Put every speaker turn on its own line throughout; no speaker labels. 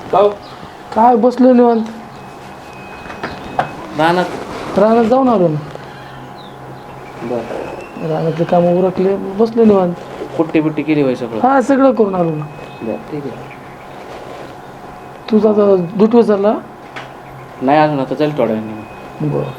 हो
काय बसलो निवांत. रानात जाऊन आलो ना.
बर
रानातले काम उरकले, बसलो निवांत.
पुट्टी बिट्टी केली होय सगळं?
हा सगळं करून आलो ना.
बर ठीक आहे.
तुझा आता दूध विचारला?
नाही अजून, आता जाईल थोड्या वेळाने.
बरं.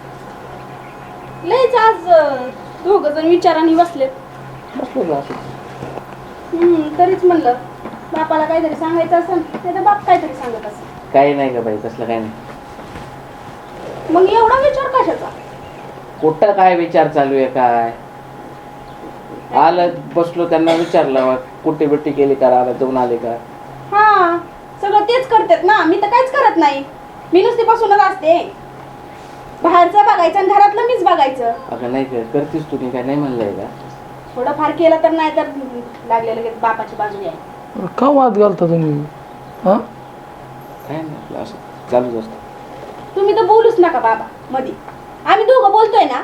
लयच आज दोघ जण विचाराने बसलेत.
बसलो असं.
तरीच म्हणलं बापाला काहीतरी सांगायचं असेल नाही तर बाप काहीतरी सांगत असेल.
काही नाही का बाई, तसलं काही नाही.
मग एवढा विचार कशाचा?
कुठं काय विचार चालू आहे काय? आलं बसलो, त्यांना विचारलं पुट्टी बिट्टी केली का, रानात जाऊन आले का?
हा सगळं तेच करतात ना, मी तर काहीच करत नाही. मी नुसती बसूनच असते. बाहेरचं बघायचं आणि घरातलं मीच बघायचं.
अगं नाही करतीस तू, काय नाही म्हणलंय का?
थोडंफार केलं तर नाही तर लागले लगेच बापाची बाजू आहे.
का वाद घालता तुम्ही? हा
काय नाही, आपलं असं चालूच असतं.
तुम्ही तर बोलूच नका बाबा मध्ये. आम्ही दोघं बोलतोय ना.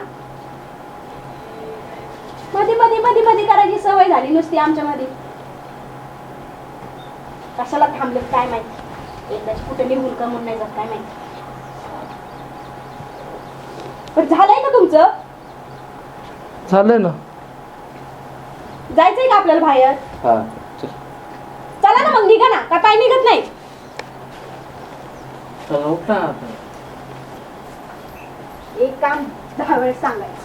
मध्ये मध्ये मध्ये मध्ये करायची सवय झाली नुसती आमच्या मध्ये. कशाला थांबले काय माहिती, एकदाच कुठे निघून का म्हणून नाही जात काय माहिती. पण झालंय का तुमचं?
झालंय ना.
जायचंय का आपल्याला बाहेर?
हा चल.
चला ना मग, निघा ना. का पाय निघत नाही?
चला उठ ना आता.
एक काम 10 वेळेस सांगायचं.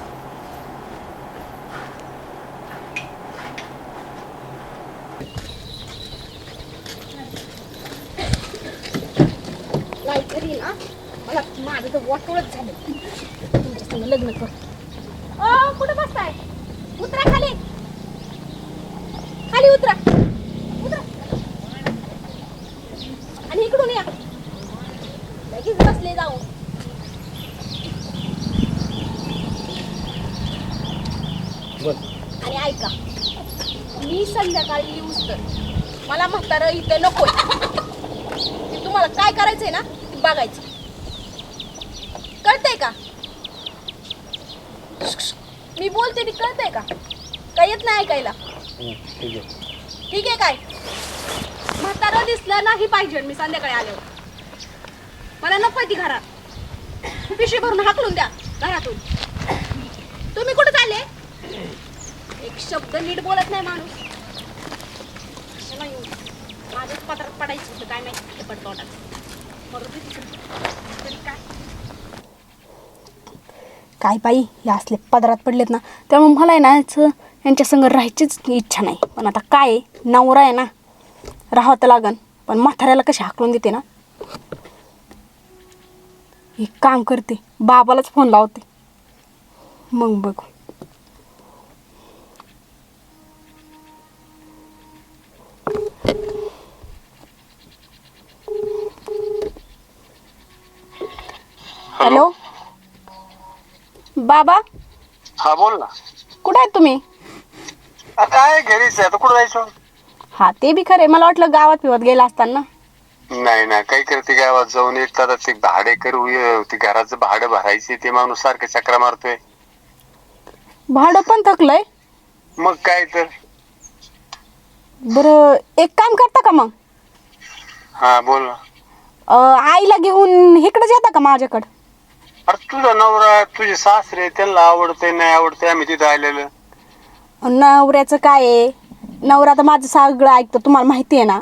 काहीतरी ना मला माझं तर वाटोळच झालं. तुमच्या संग लग्न कर. कुठं बसताय? उतरा खाली. खाली उतरा. उतरा आणि इकडून या. लगेच बसले जाऊ. आणि ऐका, मी संध्याकाळी येऊच तर मला म्हातारं इथं नकोय. तुम्हाला काय करायचंय ना ते बघायचं. कळतंय का? मी बोलते ती कळतंय का? काय येत नाही ऐकायला?
ठीक आहे.
ठीक आहे काय? म्हातारं दिसलं नाही पाहिजे मी संध्याकाळी आल्यावर. मला नकोय ती घरात. पिशवी भरून हाकलून द्या घरातून. तुम्ही कुठे चालले? एक शब्द नीट बोलत नाही माणूस. कशाला येऊ? माझ्याच पत्रात पडायचं होतं काय माहिती पडतोटात. काय बाई, हे असले पदरात पडलेत ना, त्यामुळे मला आहे ना यांच्या संग राहायचीच इच्छा नाही. पण आता काय, नवरा आहे ना, राहावं तर लागन. पण म्हाताऱ्याला कशी हाकलून देते ना. एक काम करते, बाबालाच फोन लावते, मग बघू. हॅलो बाबा.
हा बोल ना.
कुठे आहेत तुम्ही?
काय घरीच आहे, आता कुठं जायचं?
हा ते बी खरे. मला वाटलं गावात फिरत गेला असताना.
नाही ना, काय करते गावात जाऊन. एक तर ते भाडे करू, ते घराचं भाडं भरायचे, ते माणूस सारखं चक्रा मारतोय.
भाडं पण थकलंय.
मग काय तर.
बरं एक काम करता का मग?
हा बोल ना.
आईला घेऊन इकडे येता का माझ्याकडं?
अरे तुझा नवरा, तुझे सासरे, त्यांना आवडते नाही आवडते, आम्ही तिथं आलेलं.
नवऱ्याचं काय आहे, नवरा तर माझं सगळं ऐकतं, तुम्हाला माहिती आहे ना.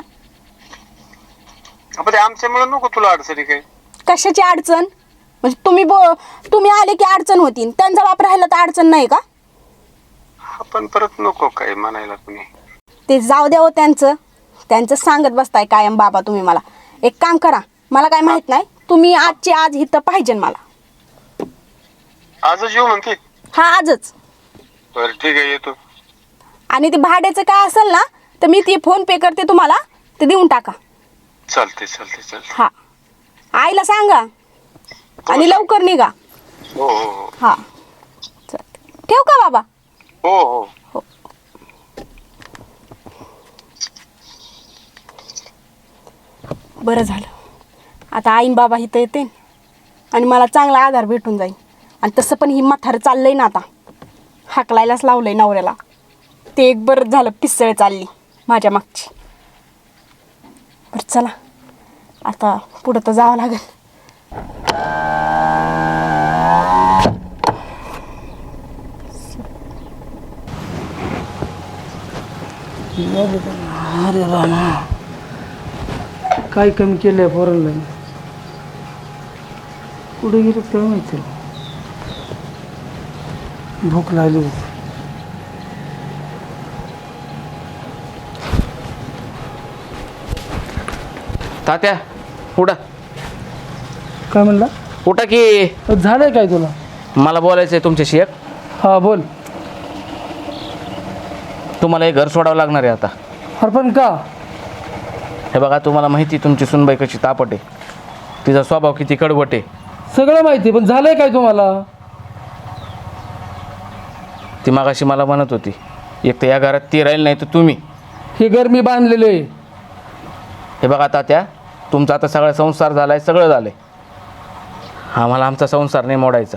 आपण आमच्यामुळे नको तुला अडचणी काय?
कशाची अडचण? म्हणजे तुम्ही आले की अडचण होती, त्यांचा बाप राहिला तर अडचण नाही का?
आपण परत नको काय म्हणायला कुणी.
ते जाऊ द्या हो, त्यांचं सांगत बसताय कायम बाबा तुम्ही. मला एक काम करा, मला काय माहित नाही, तुम्ही आजची आज इथं पाहिजे मला.
आजच येऊ म्हणते?
हा आजच.
बरं ठीक आहे, येतो.
आणि ते भाड्याचं काय असेल ना, तर मी ते फोन पे करते तुम्हाला, ते देऊन टाका.
चालते चालते चालते.
हा आईला सांगा आणि लवकर निघा.
हो हो
हा चालते. ठेवू का बाबा?
हो हो
हो. बरं झालं, आता आईन बाबा इथं येते आणि मला चांगला आधार भेटून जाईल. आणि तसं पण ही म्हातारं चाललंय ना आता, हाकलायलाच लावलंय नवऱ्याला. ते एक बरं झालं, पिसळ चालली माझ्या मागची. बरं चला, आता पुढं तर जावं लागेल.
अरे रामा, काय कमी केलंय पोरांना? कुठे गेलं काय माहिती. भूक लागली होती.
तात्या उठा,
काय म्हणला?
उठा की.
झालंय काय तुला?
मला बोलायचं आहे तुमच्याशी एक.
हा बोल.
तुम्हाला हे घर सोडावं लागणार आहे आता.
अरे पण का?
हे बघा, तुम्हाला माहिती तुमची सुनबाई कशी तापट आहे, तिचा स्वभाव किती कडवट आहे.
सगळं माहिती, पण झालंय काय तुम्हाला?
ती मागाशी मला म्हणत होती, एक तर या घरात ती राहील नाही तर तुम्ही.
हे घर मी बांधलेलं आहे.
हे बघा तात्या, तुमचा आता सगळा संसार झाला आहे, सगळं झालं आहे. आम्हाला आमचा संसार नाही मोडायचा.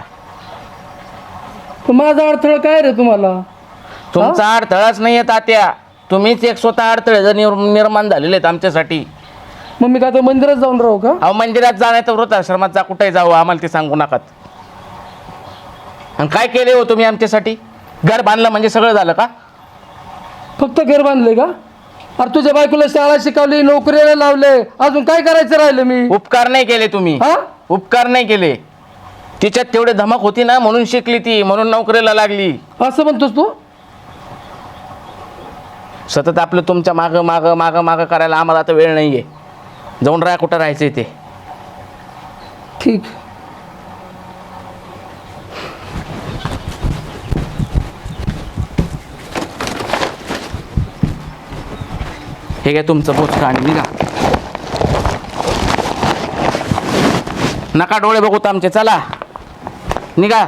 पण माझा अडथळा काय रे तुम्हाला?
तुमचा अडथळाच नाही आहे तात्या, तुम्हीच एक स्वतः अडथळे जर निर्माण झालेले आहेत आमच्यासाठी.
मग मी काय तर मंदिरात जाऊन राहू का?
अहो, मंदिरात जा नाही तर वृद्धाश्रमात जा, कुठेही जाऊ, आम्हाला ते सांगू नकात. आणि काय केले हो तुम्ही आमच्यासाठी? घर बांधलं म्हणजे सगळं झालं का?
फक्त घर बांधले का? अरे तुझ्या बायकोला शाळा शिकवली, नोकरीला लावले, अजून काय करायचं राहिलं मी?
उपकार नाही केले तुम्ही.
हा?
उपकार नाही केले. तिच्यात तेवढे धमक होती ना, म्हणून शिकली ती, म्हणून नोकरीला लागली.
असं म्हणतोस तू?
सतत आपलं तुमच्या मागं मागं मागं मागं करायला आम्हाला आता वेळ नाही आहे. जाऊन राहा, कुठं राहायचं ते.
ठीक.
हे काय तुमचं बोचका आणि निघा. नका डोळे बघूत आमचे, चला निघा.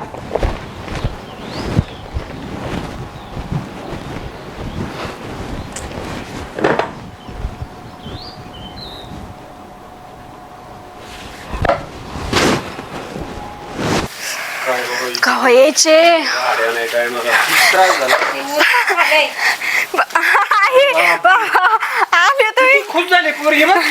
कवा यायचे? आले तुम्ही?
खूप झाले पोरगी बघ.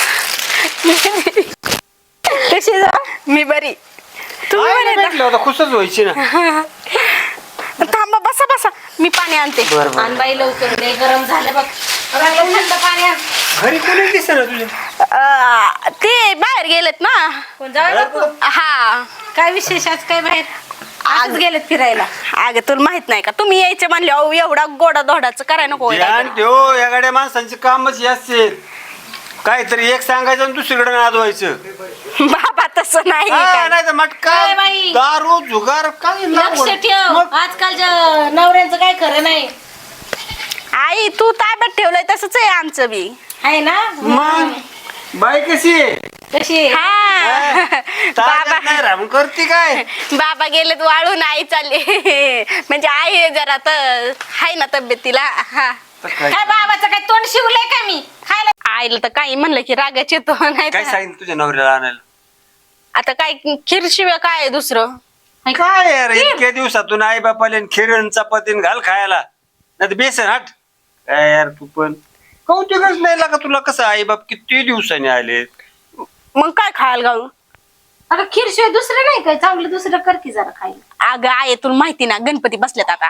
कशी जा? मी बरी. तुम्ही
काय
बरे
नाही भेटलं होतं, खुशच व्हायची ना.
ना? थांबा, बसा बसा, मी पाणी आणते.
आण बाई लवकर, लय गरम झालं बघ. लागलं थंड पाणी आण.
घरी कोणी दिसत ना तुझ्या?
ते बाहेर गेलेत ना.
कोण जाऊ बापू?
हा.
काय विशेष आज काय बाहेर? आज गेलेत फिरायला.
अगं तुला माहित नाही का, तुम्ही यायचे म्हणले, अहो एवढा गोडा धोडाचं करायला नको होय
ध्यान
काहीतरी.
ठेव, या गाड्या माणसांची कामच हे असते. काहीतरी एक सांगायचं आणि दुसरीकडे नादवायचं.
बाबा तसं नाही
हा,
काय.
नाही तर मटका,
काय बाई?
दारू, जुगार, काय
लक्ष
लागवड.
ठेव,
मग
आजकालच्या नवऱ्यांचं काय खरं नाही.
आई तू ताब्यात ठेवलंय तसंच आहे आमचं बी.
आहे ना?
मग बाई कशी आहे?
कशी आहे?
हा.
ताब्यात
बाबा
नाही राहून करते काय?
बाबा गेलेत वाळून, आई चालली. म्हणजे आई जरा तर हाय ना तब्येतीला. हा.
तर काय?
काय बाबाचं काय तोंड शिवलंय का मी खायला?
आईला तर काही म्हणलं की रागाच येतो नाही
काय
तर.
सांगितलं तुझ्या नवऱ्याला आणायला?
आता काय खीरशिवाय काय आहे दुसरं?
काय यार, इतक्या दिवसातून आई बापाले खिरण चपातीन घाल खायला, नाही तर बेसन हट. काय यार तू पण कौतुकच नाही लागा तुला. कसं आई बाप किती दिवसांनी आले?
मग काय खायला घालू?
अगं खीरशिवाय दुसरं नाही काय चांगलं, दुसरं कर की जरा खायला.
अगं आहे तुला माहिती ना, गणपती बसलेत आता.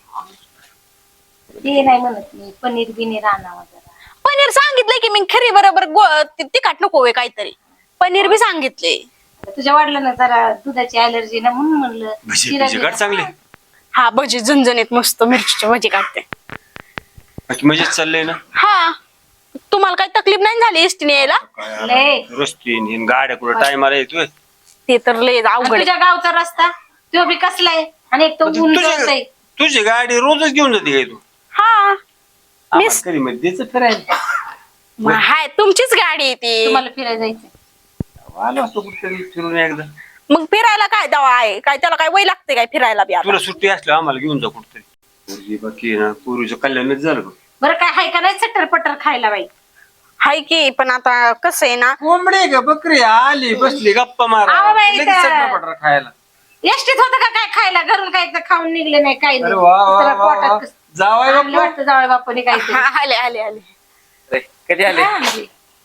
ते नाही म्हणत मी, पनीर बिनीर आणावं जरा.
पनीर सांगितलंय की मी, खरी बरोबर तिखट नको होय काहीतरी. पनीर बी सांगितले.
तुझ्या वडिलांना जरा दुधाची अलर्जी ना, म्हणून म्हणलं
भजी
शिरा
भजी
दे
काढ
ना.
चांगले.
हा भजी झणझणीत मस्त मिरचीची भजी काढते.
मजेत चाललंय ना?
हा. तुम्हाला काही तकलीफ नाही झाली एसटीने यायला?
लय.
रस्ती गाड्या कुठं टायमाला येतोय.
ते तर लय
आणि
अवघड आहे.
तुझ्या गावचा रस्ता तो बी कसलाय, आणि एक तो ऊन जळतंय.
तुझी गाडी रोजच घेऊन जाते काय तू?
हा. मिस
कधी मध्ये द्यायचं फिरायला.
हाय तुमचीच गाडी आहे ती.
तुम्हाला फिरायला जायचं.
आलो असतो कुठेतरी फिरून एकदा.
मग फिरायला काय दवा आहे? काय त्याला काय वय लागते काय फिरायला बी आता?
तुला सुट्टी असल्यावर आम्हाला घेऊन जा कुठतरी. पोरगी बाकी ना, पूर्वीचं कल्याणच झालं बघ.
बरं काय हाय का नाही चट्टर पट्टर खायला बाई?
हाय की, पण आता कसं आहे ना,
कोंबडी का बकरी आली बसली गप्पा मारा,
आवा बाई,
लगेच
त्या-
चटरपटर खायला.
एसटीत होतं का काय खायला? घरून काय एकदा खाऊन निघले नाही, काही
अरे वा वा
जरा
वा वा.
पोटात कसं-
जावाय
आणलं
बाप्पा.
वाटतं जावई बापाने काहीतरी.
हा, आले आले आले.
कधी आले?
हा, म्हणजे.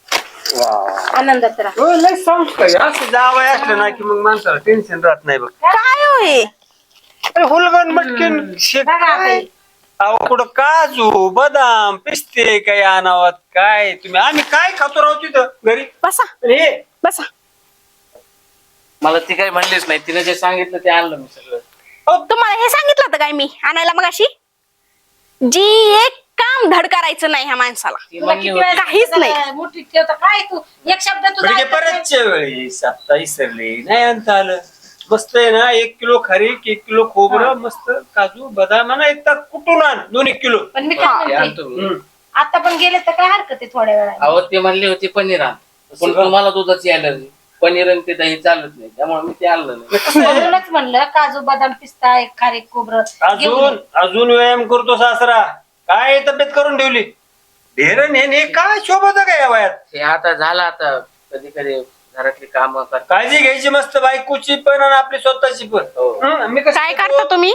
आनंदात राहा.
हो, लय संस्कार आहे. असं जावं असलं ना की मग माणसाला टेन्शन राहत नाही बघ.
काय होय
अरे हुलगण मटकीन शेत
बघा आता
काय?
हे.
अहो कुठं काजू बदाम पिस्ते काय आणावत काय तुम्ही आम्ही काय खातो राहू तिथं घरी
बसा
आणि हे
बसा.
मला ती काही म्हणलीच नाही, तिने जे सांगितलं ते आणलं मी सगळं.
तुम्हाला हे सांगितलं होतं काय मी आणायला मग अशी जी एक काम धड करायचं नाही ह्या माणसाला.
ती
तुला
म्हणली
किती वेळा
होती.
काहीच नाही.
सांगितलं, मुठीत ठेवता काय तू एक शब्द तुझा
म्हणजे
ऐकत नाही.
परतच्या वेळेस आता इसरले नाही आणता आलं. मस्त आहे ना 1 किलो खारीक 1 किलो खोबरं मस्त काजू बदाम ना एकदा कुठून आण 2-1 किलो.
पण मी
ते
काय म्हणते
आणतो मी.
आता पण गेले तर काय हरकत आहे थोड्या वेळा.
अहो ती म्हणली होती पनीर आण, पण तुम्हाला दुधाची अलर्जी, पनीर आणि ते दही चालत नाही, त्यामुळे मी ते आणलं नाही.
म्हणूनच म्हणलं काजू बदाम पिस्ता एक खारीक खोबरं घेऊन
अजून अजून व्यायाम करतो सासरा काय तब्येत करून ठेवली ढेरण हे काय शोभत काय या वयात.
हे आता झालं, आता कधी कधी घरातली कामं करता.
काळजी घ्यायची मस्त बायकोची पण आणि आपली स्वतःची पण.
हो.
मी कसं
काय करता तुम्ही?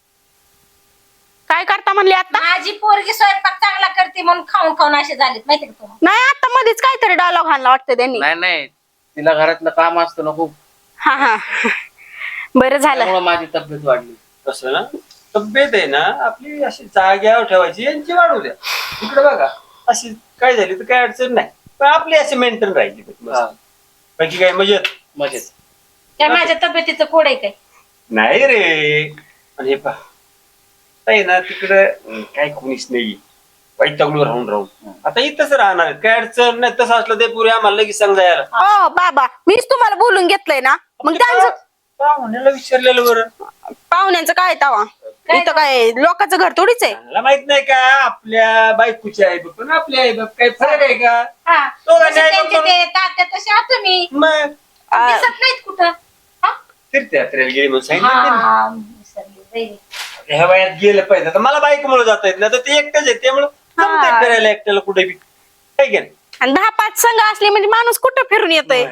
काय करता म्हणले आता?
माझी पोरगी स्वयंपाक चांगला करते म्हणून खाऊन खाऊन असे झालेत माहिती का तुम्हाला.
नाही आता मध्येच काहीतरी डायलॉग आणला वाटतं त्यांनी.
नाही नाही, तिला घरातलं काम असतं ना खूप,
हा हा बरं झालं.
त्यामुळे माझी तब्येत वाढली.
कसं ना तब्येत आहे ना आपली अशी जाग्यावर ठेवायची यांची वाढू द्या. इकडे बघा अशी काय झाली तर काय अडचण नाही, पण आपली अशी मेंटेन राहायची
हा,
बाकी काय मजेत
मजेत.
काय माझ्या तब्येतीचं कोड आहे काय.
नाही रे. आणि हे पहा आहे ना तिकडं काय कोणीच नाही वैतागलो राहून राहून आता इथंच राहणार आहेत. काय अडचण नाही, तसं असलं ते पुरे आम्हाला लगेच समजा यायला.
हो बाबा मीच तुम्हाला बोलून घेतलंय ना, मग त्यांचं
म्हणायला विचारलेलं बरं.
पाहुण्यांचं काय तवा इथं काय लोकांचं घर थोडीच आहे.
मला माहित नाही का आपल्या बायकोची आई बाप पण आपली आई बाप काही फरक आहे का.
हा
दोघांचे
जसे
आई बाप
त्यांचे ते तात्या तसे आहात तुम्ही
मग
दिसत नाहीत कुठं. हा?
तीर्थयात्रेला गेली म्हणून सांगितलं
हा, विसरले. बाई.
ह्या वयात गेलं पाहिजे. आता मला बायकोमुळे जाता येत नाही तर ते एकटंच आहे त्यामुळे जमतंय फिरायला एकट्याला कुठे बी काय की नाही?
आणि 10-5 संघ असले म्हणजे माणूस कुठं फिरून येतोय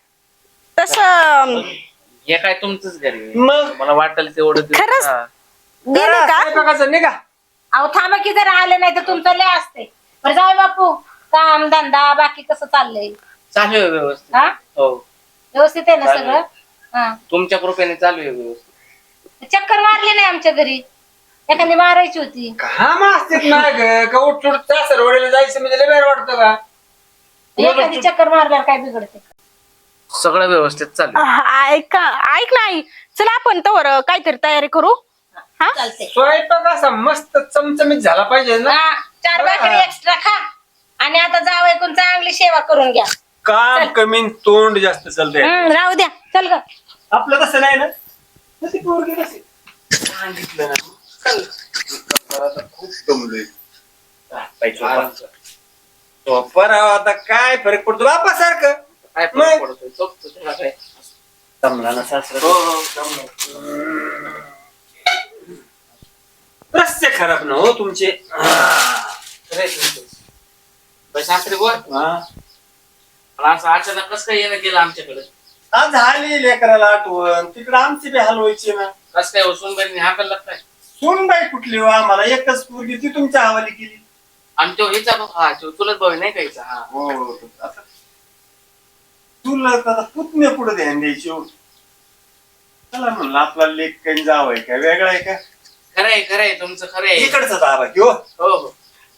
तसं.
हे काय तुमचंच घरी,
मग
मला वाटेल तेवढं दिवस.
खरंच?
हा.
गेले का?
स्वयंपाकाचं नाही का
अहो थांबा की जर आले नाही तर तुमचं लय असते. बरं जाऊ बापू काम धंदा बाकी कसं चाललंय.
चालू आहे व्यवस्थित.
हा
हो,
व्यवस्थित आहे ना
चालू
सगळं. हा
तुमच्या कृपेने चालू आहे व्यवस्थित.
चक्कर मारली नाही आमच्या घरी एखादी मारायची होती.
काम असतेच ना ग का उठ सरवडीला जायचं म्हणजे लय बरं वाटतं का.
एखादी चक्कर मारल्यावर काय बिघडते.
सगळं व्यवस्थित चालू आहे.
ऐक नाही चला आपण तवर काहीतरी तयारी करू. हा
चालते.
स्वयंपाक असा मस्त चमचमीत झाला पाहिजे ना.
4 भाकरी एक्स्ट्रा खा आणि आता जावं ऐकून चांगली सेवा करून घ्या.
काम कमी न तोंड जास्त चालतंय.
राहू द्या.
चल ग.
आपलं तसं नाही ना. तशी पोरगी कशी सांगितलं ना चल. आता खूप दमलोय. आता काय फरक पडतो बापा सारखं.
काय
मग?
फरक पडतोय? झोपतो तेव्हा काय.
दमला ना सासरा.
हो हो, जमलं.
रस्ते खराब ना हो तुमचे.
खरं आहे तुमचं. पण शास्त्री बोल,
हा.
पण असं अचानक कसं काय येणं केलं आमच्याकडे?
आज झाली लेकराला आठवण तिकडे आमची बी हलवायची ना.
कसं काय उसून बरी हाकायला लागताय?
सोनबाई कुठली हो आम्हाला एकच पोरगी ती तुमच्या हवाली केली.
आणि तो हिचा भाऊ, हा तो चुलत भाऊ नाही कायचा. हा
हो आता तुला आता पुतणे पुढे ध्यान द्यायची हो. चला म्हणलं आपला लेख काही जावाय का वेगळा आहे का.
खरंय तुमचं खरंय.
इकडचा दाबा की हो.
हो हो,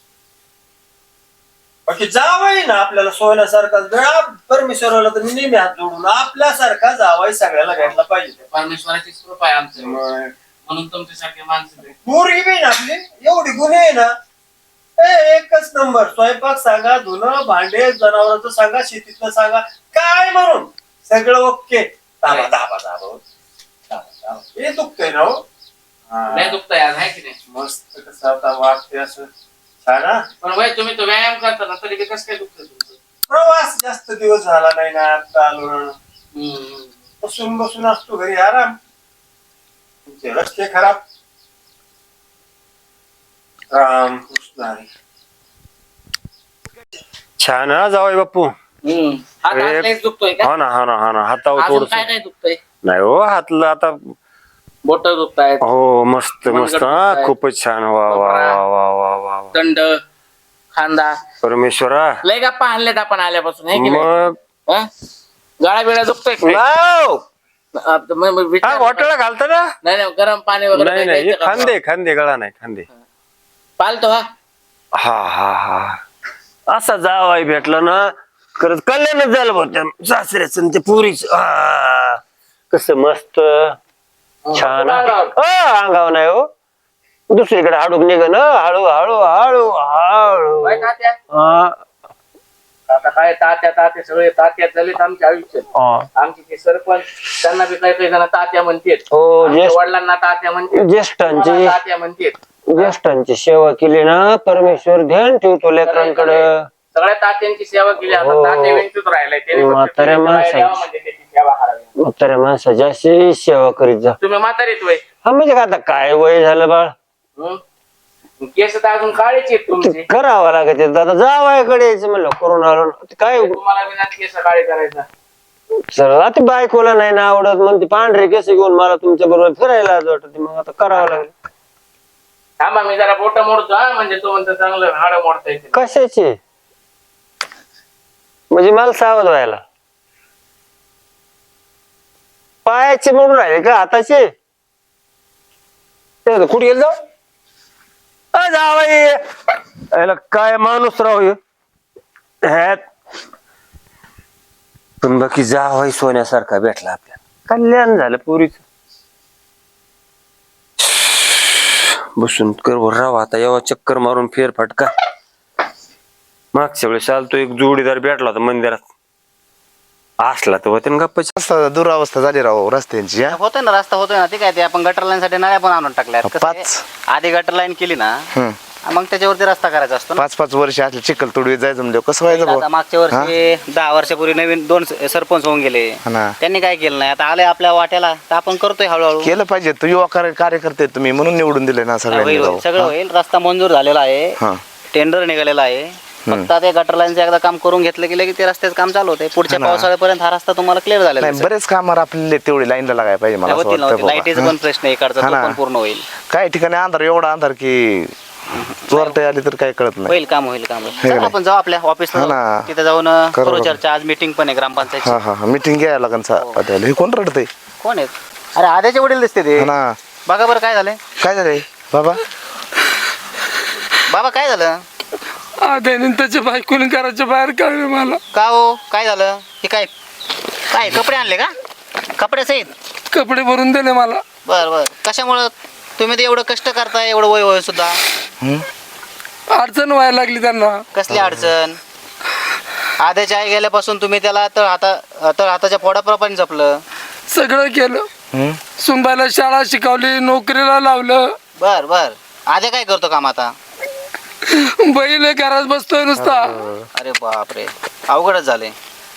बाकी जावाय ना आपल्याला सोन्यासारखा गळा परमेश्वराला तर नेहमी हात जोडून आपल्यासारखा जावाय सगळ्याला भेटला पाहिजे.
परमेश्वराची कृपा आहे आमच्या
मग
म्हणून तुमच्यासारखे माणसं भेटले.
पोरगी बी ना आपली एवढी गुन्हे आहे ना. एकच नंबर. स्वयंपाक सांगा धुणं भांडे जनावरांचं सांगा शेतीतलं सांगा काय म्हणून सगळं ओके. दाबा दाबा दाबा दाबा. हे दुखतंय ना हो.
नाही दुखताय आज आहे की नाही?
मस्त कसं आता वाटते असं छान हा?
पण वय तुम्ही तो व्यायाम करता ना तरी बी कसं काय दुखतंय तुमचं?
प्रवास जास्त दिवस झाला नाही ना आता आलो ना.
हम्म.
बसून बसून असतो घरी आराम. तुमचे रस्ते खराब. राम कृष्ण हरी. छान हा जावई बापू.
हात लयच दुखतोय का?
हा ना हा ना हा ना हातावर
अजून
थोडस
काय काय दुखतंय?
नाही हो हातला आता.
बोट दुखतायत,
हो मस्त
मनगट
मस्त हा
दुखतायत.
खूपच छान वा वा वा वा वा वा वा.
दंड, खांदा
परमेश्वरा
लय गप्पा आणल्यात आपण आल्यापासून आहे की नाही?
मग
हा? गळा बिळा दुखतोय काय?
नाव.
मग विचार-
हा घोटाळा घालता ना.
नाही नाही गरम पाणी वगैरे
नाही
काही
नाही हे
द्यायचं का?
खांदे खांदे गळा नाही खांदे.
पालतो हा
हा हा हा असा जावाई भेटला ना खरंच कल्याणच झालं बघ त्या सासऱ्याच ते पुरीच कस मस्त छान अंगाव नाही हो दुसरीकडे हाडूक निघ ना हळू हळू हळू हळू
काय तात्या?
हा,
आता काय तात्या सगळे तात्या झालेत आमच्या आयुष्यात.
हा.
आमचे ते सरपंच त्यांना बी काही जण तात्या म्हणतात.
हो
आमच्या
ज्येष्ठ
वडिलांना तात्या म्हणतात.
ज्येष्ठांची
मला तात्या म्हणतात.
ज्येष्ठांची सेवा केली ना परमेश्वर ध्यान ठेवतो लेकरांकडे.
सगळ्या तात्यांची सेवा केली. आता
हो.
तात्या विंचूच राहिलाय. त्याने फक्त
म्हाताऱ्या
तुम्ही
माणसांची.
द्यावा म्हणजे त्याची सेवा करावी.
म्हाताऱ्या माणसाची अशी सेवा करीत जा.
तुम्ही म्हातारीत वय
हा म्हणजे आता काय वय झालं बाळ
हं? केस तर अजून काळेच आहेत तुमचे.
करावं लागत आहे. आता जावायकडे यायचं म्हणलं करून आलो ना. ते काय
तुम्हाला बिना केस काळे करायचा.
सर आता बायकोला नाही ना आवडत म्हणते पांढरे केस घेऊन मला तुमच्या बरोबर फिरायला आज वाटत मग आता करावं लागेल.
थांबा मी जरा बोट मोडतो हा म्हणजे तो म्हणतो चांगलं हाड मोडता येते.
कशाचे म्हणजे मला सावध व्हायला पायाचे म्हणून राहिले का हाताचे ते कुठे गेलं जाऊ जावाई काय माणूस राहू ह्यात पण बाकी जावाई सोन्यासारखा भेटला आपल्याला कल्याण झालं पुरीच बसून करवर राव आता एव्हा चक्कर मारून फेरफटका मागच्या वेळेस आलतो एक जोडीदार भेटला होता मंदिरात असला तर होते गप्पा
रस्ता दुरावस्था झाली राव रस्त्यांची हा?
होतोय ना रस्ता होतोय ना ते काय ते आपण गटर लाईन साठी नळ्या पण आणून टाकल्या कसं आहे,
5
आधी गटर लाईन केली ना
हम्म.
मग त्याच्यावरती रस्ता करायचा असतो ना
5 वर्ष असले चिखल तुडवीत जायचं म्हणजे कसं व्हायचं
आता
भाऊ?
मागच्या वर्षी 10 वर्षापूर्वी नवीन 2 सरपंच होऊन गेले
हा ना.
त्यांनी काय केलं नाही आता आले आपल्या वाट्याला तर आपण करतोय हळूहळू
केलं पाहिजे तू युवा कार्यकर्ते तुम्ही म्हणून निवडून दिले ना सगळ्यांनी
होईल,
राव.
होईल, सगळं होईल रस्ता मंजूर झालेला आहे
हा.
टेंडर निघालेला आहे फक्त आता गटर लाईनचं एकदा काम करून घेतलं गेलं की ते रस्त्याचं काम चालू होते पुढच्या
हा ना.
पावसाळ्यापर्यंत हा रस्ता तुम्हाला क्लिअर झालेला
नाही बरेच कामावर आपल्याला तेवढी लाईनला लागायला पाहिजे मला असं
होतील
वाटतं बाबा.
लाईटीचा पण प्रश्न आहे इकडचा
हा
तो
ना.
पण पूर्ण होईल
काही ठिकाणी अंधार एवढा अंधार की चोरटे आली तर काही कळत नाही
होईल काम होईल काम होईल
हे
चला,
नाही.
आपण जाऊ आपल्या
हा
ऑफिसला
ना.
तिथे जाऊन
करू
करू
बघू.
चर्चा आज मीटिंग पण आहे ग्रामपंचायतची
हा हा मीटिंग घ्यायला लागेल हे कोण रडतंय
कोण आहेत अरे आद्याचे वडील दिसते ते
हा ना
बघा बरं काय झालंय
काय झालंय बाबा
बाबा काय झालं
त्याने त्याच्या बायकोने घराच्या बाहेर काढले मला.
का हो काय झालं हे काय काय कपडे आणले का कपडे सहित
कपडे भरून दिले मला.
बर बर कशामुळं तुम्ही तर एवढं कष्ट करताय एवढं वय वय सुद्धा
अडचण व्हायला लागली त्यांना.
कसली अडचण आद्याच्या आई गेल्यापासून तुम्ही त्याला तळ हाताच्या पोडाप्रमाणे जपलं
सगळं केलं. सुनबाईला शाळा शिकवली नोकरीला लावलं.
बर बर आद्या काय करतो काम आता
बैल घरात बसतोय नुसता.
अरे बापरे अवघडच झाले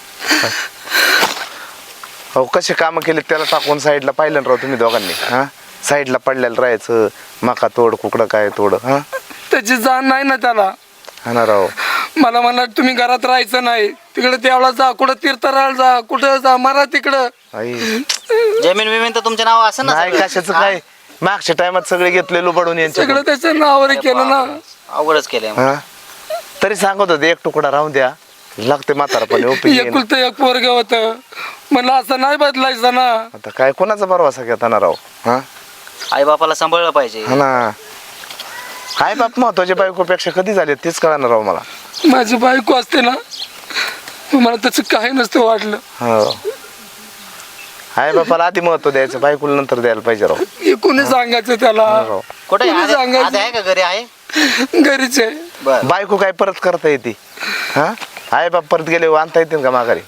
हो कसे काम केले त्याला टाकून साईडला पाहिलं ना राव तुम्ही दोघांनी हा साईडला पडलेलं राहायचं मका तोड कुकडं काय तोड हा
त्याची जाण नाही ना त्याला.
हा ना राव
मला म्हणला तुम्ही घरात राहायचं नाही तिकडे देवळात जा कुठं तीर्थराळ जा कुठं जा मारा तिकडं.
आई
जमीन बिमीन तर तुमच्या नाव असं ना
नाही
सगळं?
कशाचं काय मागच्या टायमात सगळे घेतले लुबाडून यांच्या
सगळं त्याच्या नावावर केलं ना.
अवघडच केलंय मग.
हा तरी सांगत होते एक तुकडा राहून द्या लागते म्हातारपणे उपयोगी आहे ना.
एकुलतं एक पोरग होत म्हणलं असं नाही बदलायचं ना.
आता काय कोणाचा भरवसा घेता ना राव हा
आई बापाला सांभाळलं पाहिजे
हा ना हाय बाप महत्वाच्या बायकोपेक्षा कधी झाले तेच कळणार राव मला
माझी बायको असते ना मला त्याचं काही नसतं वाटलं.
हो हाय बापाला आधी महत्व द्यायचं बायकोला नंतर द्यायला पाहिजे राव
हे कोणी सांगायचं त्याला.
राव
कुठे
कोणी सांगायचं?
आद्या आहे का घरी आहे
घरीच आहे.
बर
बायको काय परत करता येते हा हाय बाप परत गेले आणता येतील का माघारी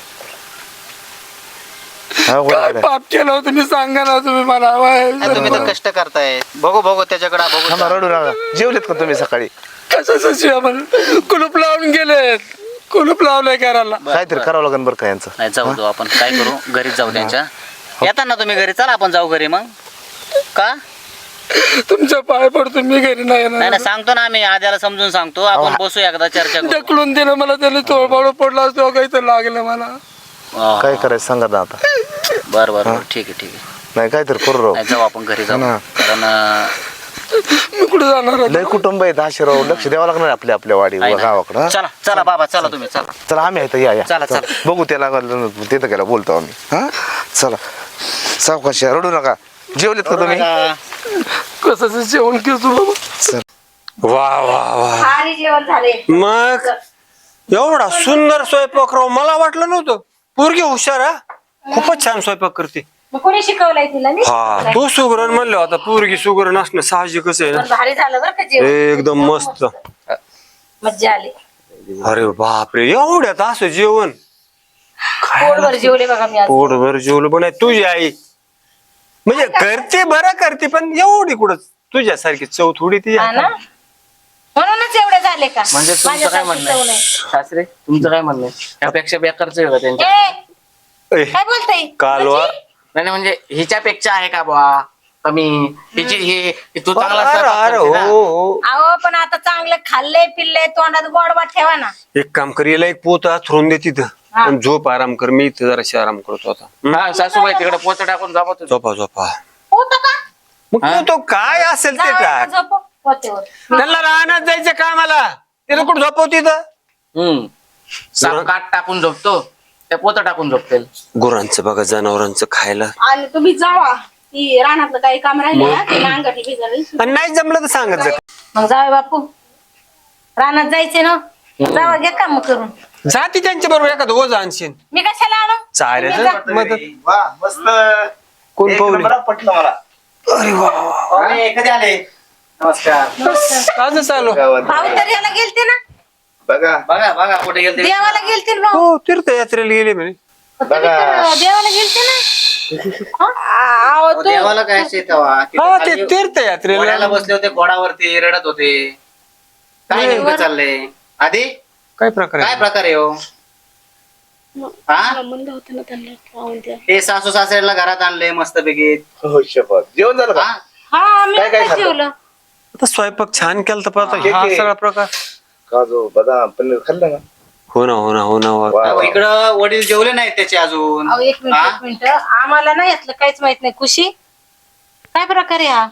हो,
काय
बरोबर आहे.
पाप केलं होतं तुम्ही सांगा ना तुम्ही मला.
नाही, तुम्ही तर कष्ट करताय बघू त्याच्याकडे
थांबा,
बघू
रडू नका जेवलेत का तुम्ही सकाळी
कशाचं जेवण कुलूप लावून गेलेत. कुलूप लावलंय घराला.
काहीतरी करावं लागेल बरं का यांचं
नाही जाऊ आपण काय करू घरीच जाऊ त्यांच्या येतात ना तुम्ही घरी चला आपण जाऊ घरी मग का
तुमच्या पाय पडतो मी घरी नाही येणार.
नाही सांगतो ना आम्ही आद्याला समजून सांगतो आपण बसू एकदा चर्चा करू
ढकलून दिलं मला त्याने तोडबाड पडला असतो काही तर लागलं मला.
काय करायचं सांगा ना आता
बर बर ठीक आहे
नाही काहीतरी करू राव
नाही जाऊ आपण घरी जाऊ
हा ना.
कारण
मी कुठे जाणार
लय कुटुंब आहेत आशीर्वाद लक्ष द्यावं लागणार आपल्या आपल्या वाडी गावाकडं.
चला चला बाबा चला तुम्ही चला
चला आम्ही आहेत या
चला,
चला. बघू त्याला तिथं गेला बोलतो आम्ही. हा चला सावकाश या, रडू नका. जेवलेत का तुम्ही?
कसं जेवण केलं बाबा?
चल.
वा वा वा
भारी जेवण झाले.
मग एवढा सुंदर स्वयंपाक राव मला वाटलं नव्हतं. पोरगी हुशार हा, खूपच छान स्वयंपाक करते.
मग कोणी शिकवलंय तिला? मी
हा
शिकवलंय.
तू सुगरण म्हणलं आता पोरगी सुगरण असणं साहजिकच आहे ना.
पण भारी झालं बरं का जेवण.
एकदम मस्त.
मज्जा आली.
अरे बापरे एवढ्यात असं जेवण
पोटभर जेवले बघा मी आज.
पोटभर जेवलं पण आहे. तुझी आई म्हणजे करते बरं करते पण एवढी कुठं तुझ्यासारखी चव थोडी ती
हा ना, म्हणूनच एवढे झाले का?
म्हणजे तुमचं काय
माझ्यासारखी
म्हणणं
चव
आहे
नाही.
सासरे तुमचं काय म्हणणं आहे? त्यापेक्षा बेकारच आहे का त्यांच्या?
ए,
ए,
काय बोलताय?
कालवा
नाही नाही, म्हणजे हिच्यापेक्षा आहे का बुवा कमी? हिची ही तू चांगला
अरे
स्वयंपाक
अरे
करते ना.
हो
अहो पण आता चांगलं खाल्लंय पिल्लंय तोंडात गोडवा ठेवा ना.
एक काम कर याला एक पोत थरून दे तिथं
हा.
आणि झोप आराम कर. मी इथं जराशी आराम करतो आता.
हा सासूबाई तिकडे पोत टाकून जाबा तुम्ही.
झोपा झोपा.
होतं का?
मग तू तो काय असेल ते
जावई
टाक.
झोपव पोतेवर.
त्यांना राहण्यात जायचं कामाला तिथं कुठं झोपव तिथं.
साप काट टाकून झोपतो त्या पोत टाकून झोपतील.
गुरांचं बघा जनावरांचं खायला.
आणि तुम्ही जावा ती रानातलं काही काम राहिले ना ते अंगाठी भिजावी.
आणि नाही जमलं तर सांगत जा.
मग जावे बापू रानात जायचे ना, जावा घ्या काम करून.
जाती त्यांच्या बरोबर एखादं ओझ आणशीन.
मी कशाला आणू?
चालेल मदत.
वा मस्त.
कोण
एक
पाहुणे?
नंबर पटलं मला.
अरे वा
पाहुणे कधी आले? नमस्कार.
आजच चालू.
भाऊ तर याला गेलते ना,
बघा बघा बघा कुठे गेलते.
देवाला गेलते ना भाऊ.
हो तीर्थयात्रेला गेले म्हणे.
तुम्ही तर देवाला गेलते ना.
अहो, तो-
देवाला काय असे तेव्हा
हा ते तीर्थयात्रेला
घोड्याला बसले होते घोडावरती रडत होते. काय नेमकं चाललंय आधी?
काय प्रकार
काय
आहे?
प्रकार आहे हो? हा
म्हणलं होतं ना त्यांना पाहून द्या.
ते सासू सासऱ्याला घरात आणले मस्त पैकी.
हो शपथ. जेवण झालं का?
हा मी
काय काय
आता
खाल्लं?
जेवलं.
आता स्वयंपाक छान केला तर पाहता
ठीक
हा
आहे.
सगळा प्रकार.
काजू बदाम पनीर खाल्लं ना?
हो ना हो ना हो ना वा.
वा.
अहो, इकडं वडील जेवले नाहीत त्याचे अजून.
अहो एक
हा?
मिनिट आम्हाला ना यातलं काहीच माहित नाही. खुशी काय प्रकार आहे हा?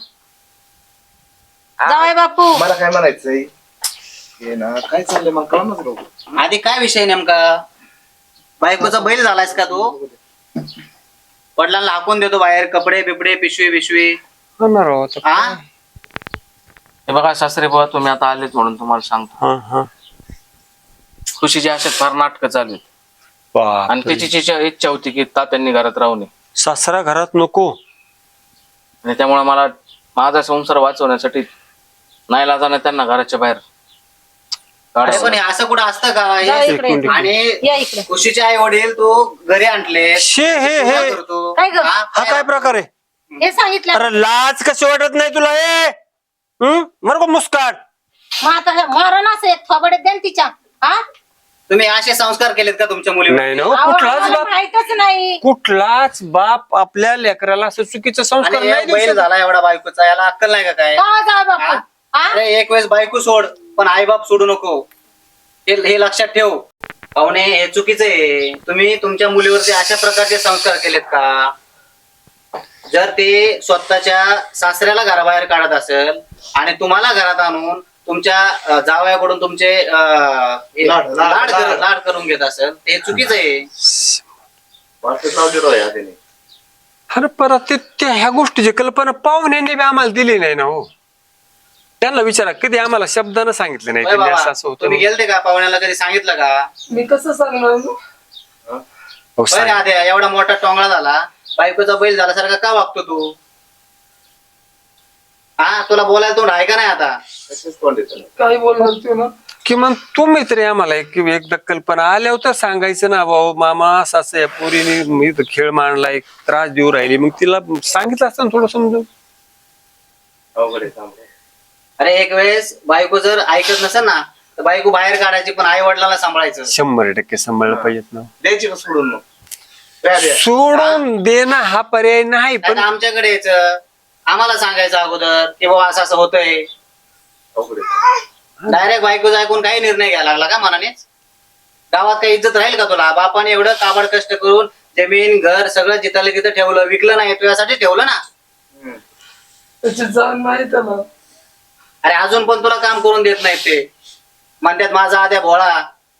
जावई बापू
मला काय म्हणायचंय हे ना काय चाललंय मला कळूनच नको.
आधी काय विषय नेमका? बायकोचा बैल झालायस का तू? वडिलांना हाकून देतो बाहेर कपडे बिपडे पिशवी बिशवी.
हो ना राव आता.
हा
हे बघा सासरे बुवा तुम्ही आता आलेत म्हणून तुम्हाला सांगतो.
हा हा
खुशीची अशा फार नाटकं चालू आहेत. आणि
बापरे.
त्याची इच्छा होती की तात्यांनी घरात राहू नये
सासरा घरात नको.
आणि त्यामुळे मला माझा संसार वाचवण्यासाठी नाईलाजाने त्यांना घराच्या बाहेर
अरे
काढावं
पण हे असं कुठं असतं का
जा
हे?
इकडे या
आणि
इकडे.
खुशीचे आई वडील तू घरी आणले.
शे हे हे
करतो
काय ग?
हा काय प्रकार आहे?
हे सांगितलं
अरे लाज कशी वाटत नाही तुला हे? मर मुस्काट.
मग आता मरण असं एक थोबडे द्या ना तिच्या. हा
तुम्ही असे संस्कार केलेत का तुमच्या मुलीवर?
नाही ना हो,
अहो,
कुठलाच
आम्हाला
बाप
माहीतच नाही.
कुठलाच बाप आपल्या लेकराला असं चुकीचं संस्कार
आणि
नाही
एक
देऊ
बैल
शकत.
झाला एवढा बायकोचा, याला अक्कल नाही का काय?
का जावई बापू?
हा?
हा?
अरे एक वेळेस बायको सोड पण आई बाप सोडू नको. हे लक्षात ठेव. पाहुणे हे चुकीचं आहे. तुम्ही तुमच्या मुलीवरती अशा प्रकारचे संस्कार केलेत का? जर ते स्वतःच्या सासऱ्याला घराबाहेर काढत असेल आणि तुम्हाला घरात आणून तुमच्या जावयाकडून तुमचे लाड करून घेत असेल ते चुकीचं आहे.
अरे परत ते ह्या गोष्टीची कल्पना पाहुण्यांनी बी आम्हाला दिली नाही ना हो. त्यांना विचारा कधी आम्हाला शब्दानं सांगितलं नाही
होय
त्यांनी
बाबा,
असं असं होतं
तुम्ही गेलते का पाहुण्याला कधी सांगितलं का?
मी कसं सांगणार मग?
हो,
होय
सांग.
ना, आद्या, एवढा मोठा टोंगळा झाला बायकोचा बैल झाल्यासारखा का वागतो तू? हा तुला बोलायला तोंड आहे का नाही आता?
काय बोलणार तू ना?
किमान तुम्ही तरी आम्हाला एकदा कल्पना आल्यावर तर सांगायचं ना भाऊ मामा असं असं या पोरीने मी इथं खेळ मांडला एक त्रास देऊ राहिली मग तिला सांगितलं असतं ना थोडं समजून.
अरे एक वेळेस बायको जर ऐकत नसेल ना तर बायको बाहेर काढायची पण आई वडिलांना सांभाळायचं.
100% सांभाळलं पाहिजेत ना.
द्यायची का सोडून मग?
सोडून देणं हा पर्याय नाही
पण
पण
आमच्याकडे यायचं आम्हाला सांगायचं अगोदर की बाबा असं असं होतंय. डायरेक्ट बायको ऐकून काही निर्णय घ्यायला लागला का मनानेच? गावात काही इज्जत राहील का तुला? बापाने एवढं काबाड कष्ट करून जमीन घर सगळं जिथलं तिथं ठेवलं, विकलं नाही तुझ्यासाठी ठेवलं ना.
त्याची जाण नाही त्याला.
अरे अजून पण तुला काम करून देत नाही ते, म्हणतात माझा आद्या भोळा.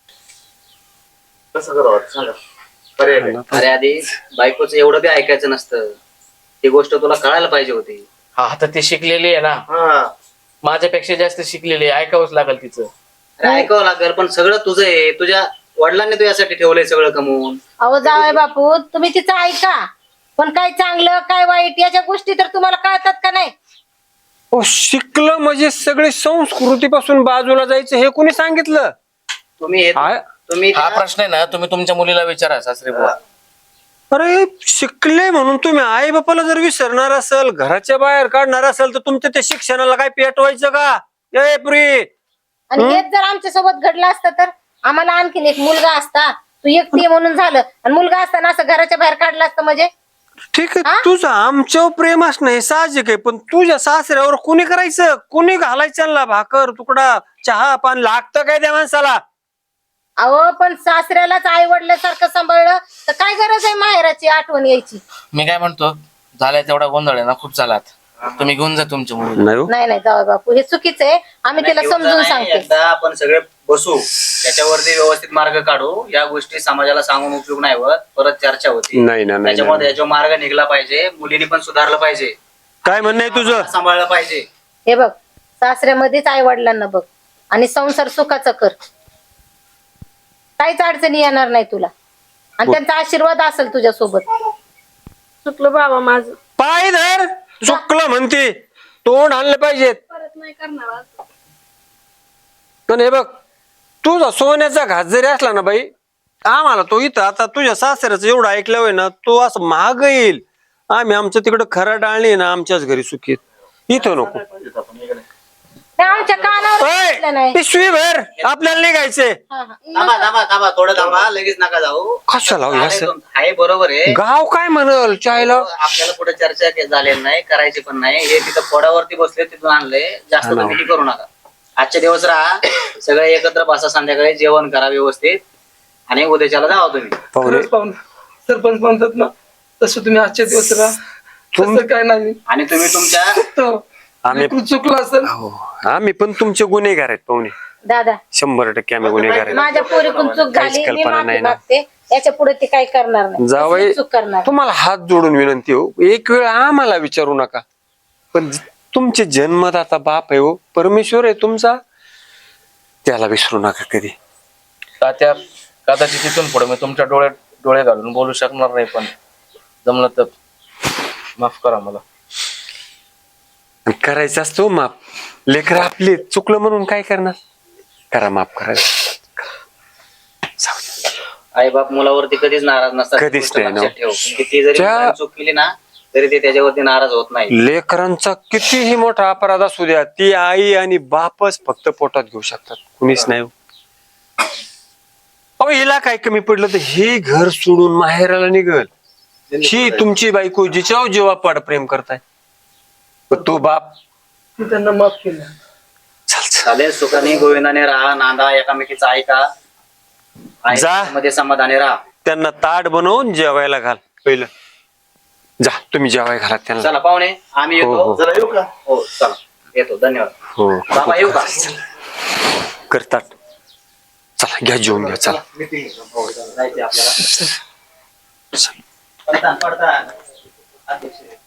कसं करावं सांगा, पर्याय काय?
अरे आधी बायकोचं एवढं बी ऐकायचं नसतं, ती गोष्ट तुला कळायला पाहिजे होती.
हा आता ती शिकलेली आहे ना,
हा
माझ्यापेक्षा जास्त शिकलेली आहे, ऐकावंच लागेल तिचं.
अरे ऐकावं लागेल, पण सगळं तुझं आहे. तुझ्या वडिलांनी तुझ्यासाठी ठेवलंय सगळं कमवून.
अहो जावई बापू, तुम्ही तिचं ऐका, पण काय चांगलं काय वाईट याच्या गोष्टी तर तुम्हाला कळतात का नाही?
शिकलं म्हणजे सगळी संस्कृतीपासून बाजूला जायचं हे कोणी सांगितलं?
तुम्ही तुम्ही
हा प्रश्न आहे ना, तुम्ही तुमच्या मुलीला विचारा सासरे बुवा.
अरे शिकले म्हणून तुम्ही आई बापाला जर विसरणार असेल, घराच्या बाहेर काढणार असेल, तर तुमच्या त्या शिक्षणाला काय पेटवायचं का? ए पुरी,
आणि हेच जर आमच्या सोबत घडलं असतं तर आम्हाला आणखीन एक मुलगा असता. तू एकटी आहे म्हणून झालं, आणि मुलगा असताना असं घराच्या बाहेर काढलं असतं म्हणजे.
ठीक आहे, तुझं आमच्यावर प्रेम असणं हे साहजिक आहे, पण तुझ्या सासऱ्यावर कोणी करायचं? कोणी घालायचं भाकर तुकडा चहा पान लागतं काय त्या माणसाला?
अहो पण सासऱ्यालाच आई वडिलांसारखं सांभाळलं तर काय गरज आहे माहेराची आठवण यायची?
मी काय म्हणतो, झालाय तेवढा गोंधळ आहे ना, खूप झाला. तुम्ही घेऊन जा तुमच्या मुलीला.
नाही नाही जावई बापू, हे चुकीचं आहे. आम्ही तिला समजून सांगते.
एकदा आपण सगळे बसू, त्याच्यावरती व्यवस्थित मार्ग काढू. या गोष्टी समाजाला सांगून उपयोग नाही होत, परत चर्चा होती.
नाही ना, नाही,
त्याच्यामध्ये याच्यावर मार्ग निघला पाहिजे. मुलीने पण सुधारलं पाहिजे,
काय म्हणणं आहे तुझं?
सांभाळलं पाहिजे.
हे बघ, सासऱ्यामध्येच आई वडिलांना बघ, आणि संसार सुखाचा कर. काहीच अडचणी येणार नाही तुला, आणि त्यांचा आशीर्वाद असेल तुझ्या सोबत.
चुकलं बाबा माझं,
पाय धर, चुकलं म्हणते, तोंड आणलं पाहिजेत.
परत नाही करणार आज.
पण हे बघ, तुझा सोन्याचा घास जरी असला ना बाई, आम्हाला तो इथं आता तुझ्या सासऱ्याचं एवढं ऐकलं होय ना, तो असं महाग येईल. आम्ही आमचं तिकडं खरा डाळणी ना आमच्याच घरी सुखीत, इथं नको.
ते आमच्या कानावर बसलं नाही.
पिशवी भर, आपल्याला निघायचंय.
हा, हा.
थांबा थोडं थांबा, लगेच नका जाऊ.
कशाला हो हे असं?
आहे बरोबर आहे.
गाव काय म्हणल चायला?
आपल्याला पुढे चर्चा झालेली नाही, करायची पण नाही. हे तिथं पोडावरती बसले, तिथून आणले. जास्त तुम्ही हे करू नका. आजचे दिवस राहा, सगळे एकत्र बसा, संध्याकाळी जेवण करा व्यवस्थित, आणि उद्याच्याला जावा तुम्ही.
खरंच पाहुणे, सरपंच म्हणतात ना तसं तुम्ही आजच्या दिवस राहा, तसं काय नाही.
आणि तुम्ही तुमच्या
आम्ही चुकलं असेल.
आम्ही पण तुमचे गुन्हेगार आहेत पाहुणे,
दादा
100% आम्ही गुन्हेगार आहेत.
माझ्या पोरीकडून चूक
काहीच
झाली, मी
कल्पना
माफी
नाही ना.
मागते. याच्या पुढे ती काही करणार नाही.
जावई,
कसली चूक करणार.
तुम्हाला हात जोडून विनंती हो, एक वेळ आम्हाला विचारू नका, पण तुमचे जन्मदाता बाप आहे हो, परमेश्वर आहे तुमचा, त्याला विसरू नका कधी.
तात्या, कदाचित तिथून पुढे मी तुमच्या डोळे घालून बोलू शकणार नाही, पण जमलं तर माफ करा मला.
करायचं असतो माफ, लेकर आपले चुकलं म्हणून काय करणार, करा माफ करायचं.
आई बाप मुलावरती कधीच नाराज नसतात.
कधीच
गोष्ट
नाही ना.
लक्षात ठेव. किती जरी
त्या-
मुलाने चूक केली ना, तरी ते त्याच्यावरती नाराज होत नाही.
लेकरांचा कितीही मोठा अपराध असू द्या, ती आई आणि बापच फक्त पोटात घेऊ शकतात, कुणीच नाही हो. अहो हिला काय कमी पडलं तर ही घर सोडून माहेराला निघल. ही तुमची बायको जिच्यावर जीवापाड प्रेम करताय, पण तो बाप
मी त्यांना माफ केलं.
चालेल, सुखाने गोविंदाने राहा, नांदा, एकामेकीचा ऐका,
जा.
मध्ये समाधानी राहा.
त्यांना ताट बनवून जेवायला घाल पहिलं. जा तुम्ही जेवाय घाला त्यांना.
चला पाहुणे, आम्ही
हो,
येतो.
हो.
जरा येऊ का?
हो चला, येतो. धन्यवाद.
हो
बाबा येऊ का?
करतात. चला घ्या जेवून घ्या, चला.
जायचे आपल्याला. पडतान. अध्यक्ष